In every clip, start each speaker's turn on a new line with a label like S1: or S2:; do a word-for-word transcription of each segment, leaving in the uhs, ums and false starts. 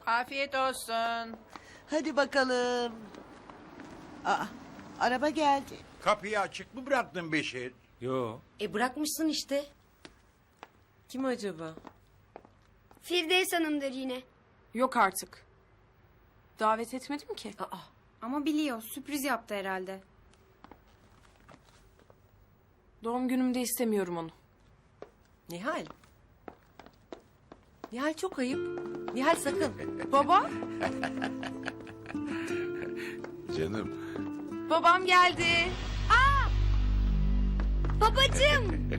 S1: Afiyet olsun.
S2: Hadi bakalım. Aa, araba geldi.
S3: Kapıyı açık mı bıraktın Beşir?
S4: Yo.
S5: E bırakmışsın işte.
S6: Kim acaba?
S7: Firdevs Hanım'dır yine.
S8: Yok artık. Davet etmedim ki.
S5: Aa,
S9: Ama biliyor, sürpriz yaptı herhalde.
S8: Doğum günümde istemiyorum onu.
S6: Nihal. Nihal çok ayıp. Nihal sakın.
S8: Baba,
S3: Canım.
S8: babam geldi.
S7: Babacığım.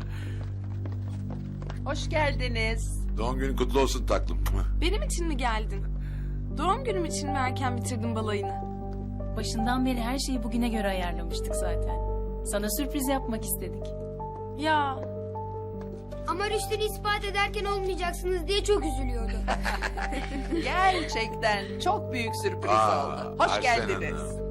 S1: Hoş geldiniz.
S3: Doğum günün kutlu olsun taklım.
S8: Benim için mi geldin? Doğum günüm için mi erken bitirdin balayını?
S10: Başından beri her şeyi bugüne göre ayarlamıştık zaten. Sana sürpriz yapmak istedik.
S8: Ya,
S7: Ama Rüştü'nü ispat ederken olmayacaksınız diye çok üzülüyordu.
S1: Gerçekten çok büyük sürpriz
S3: Aa,
S1: oldu. Hoş
S3: Arsen
S1: geldiniz.
S3: Hanım.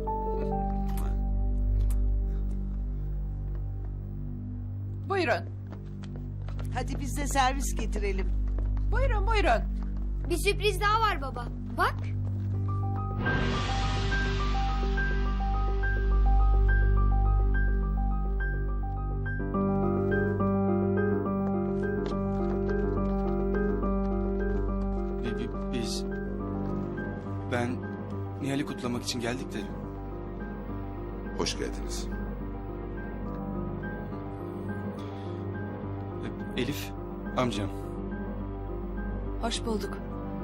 S1: Buyurun.
S2: Hadi biz de servis getirelim.
S1: Buyurun buyurun.
S7: Bir sürpriz daha var baba. Bak.
S4: Bi- bi- Biz... Ben Nihal'i kutlamak için geldik de...
S3: Hoş geldiniz.
S4: e, Elif, amcam.
S5: hoş bulduk.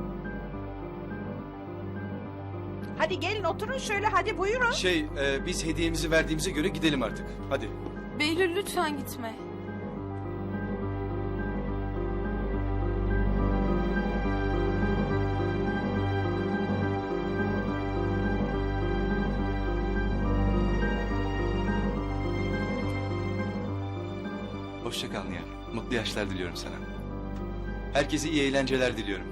S1: Hadi gelin oturun şöyle hadi buyurun.
S4: Şey, e, biz hediyemizi verdiğimize göre gidelim artık. Hadi.
S8: Behlül lütfen gitme.
S4: Hoşça kal Nihal. Mutlu yaşlar diliyorum sana. Herkese iyi eğlenceler diliyorum.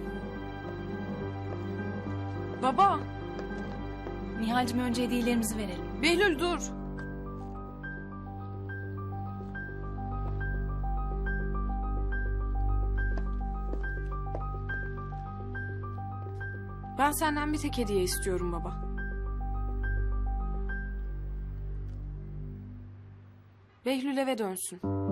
S8: Baba,
S10: Nihal'cim önce hediyelerimizi verelim.
S8: Behlül dur. Ben senden bir tek hediye istiyorum baba. Behlül eve dönsün.